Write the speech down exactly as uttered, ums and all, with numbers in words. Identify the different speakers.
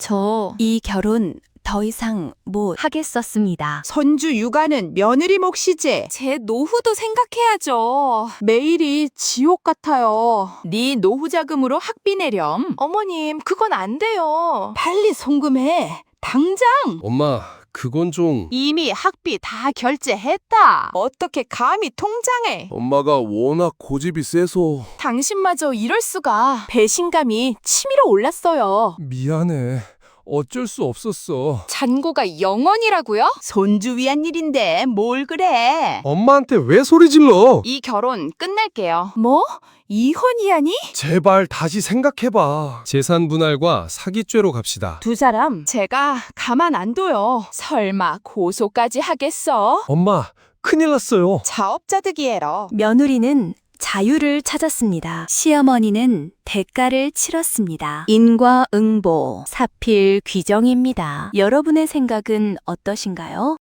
Speaker 1: 저 이 결혼 더 이상 못 하겠었습니다.
Speaker 2: 손주 육아는 며느리 몫이지.
Speaker 3: 제 노후도 생각해야죠.
Speaker 2: 매일이 지옥 같아요.
Speaker 3: 네 노후 자금으로 학비 내렴.
Speaker 4: 어머님, 그건 안 돼요.
Speaker 2: 빨리 송금해. 당장.
Speaker 5: 엄마, 그건 좀...
Speaker 4: 이미 학비 다 결제했다.
Speaker 2: 어떻게 감히 통장에.
Speaker 5: 엄마가 워낙 고집이 세서...
Speaker 4: 당신마저 이럴 수가. 배신감이 치밀어 올랐어요.
Speaker 5: 미안해. 어쩔 수 없었어.
Speaker 3: 잔고가 영원이라고요?
Speaker 2: 손주 위한 일인데 뭘 그래.
Speaker 5: 엄마한테 왜 소리 질러?
Speaker 4: 이 결혼 끝낼게요.
Speaker 2: 뭐? 이혼이야니?
Speaker 5: 제발 다시 생각해봐. 재산 분할과 사기죄로 갑시다.
Speaker 2: 두 사람
Speaker 4: 제가 가만 안 둬요. 설마 고소까지 하겠어?
Speaker 5: 엄마, 큰일 났어요.
Speaker 4: 자업자득이에요.
Speaker 1: 며느리는 자유를 찾았습니다. 시어머니는 대가를 치렀습니다. 인과응보, 사필 귀정입니다. 여러분의 생각은 어떠신가요?